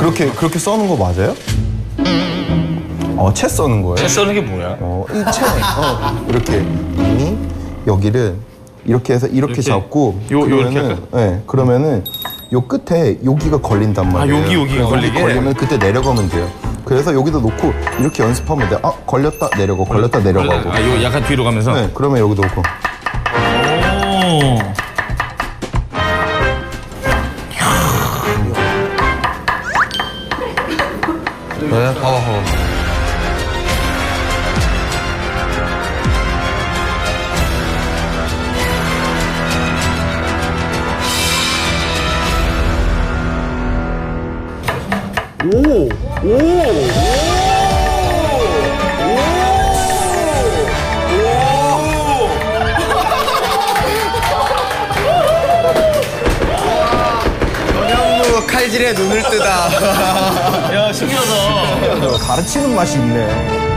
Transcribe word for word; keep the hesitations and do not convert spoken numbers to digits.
그렇게 그렇게 써는 거 맞아요? 어, 채 써는 거예요? 채 써는 게 뭐야? 어, 이 채. 어, 이렇게 이, 여기를 이렇게 해서 이렇게, 이렇게. 잡고 요- 요렇게 그러면은 할까요? 네, 그러면은 요 끝에 여기가 걸린단 말이에요. 여기, 여기가 그래서 여기 걸리게? 걸리면 그때 내려가면 돼요. 그래서 여기다 놓고 이렇게 연습하면 돼. 아, 걸렸다 내려가, 걸렸다 내려가고. 아, 요 약간 뒤로 가면서. 네, 그러면 여기도 놓고. 오. 네, 봐봐, 봐봐. 오! 오! 전현무 칼질에 눈을 뜨다. 야, 신기하다. 가르치는 맛이 있네요.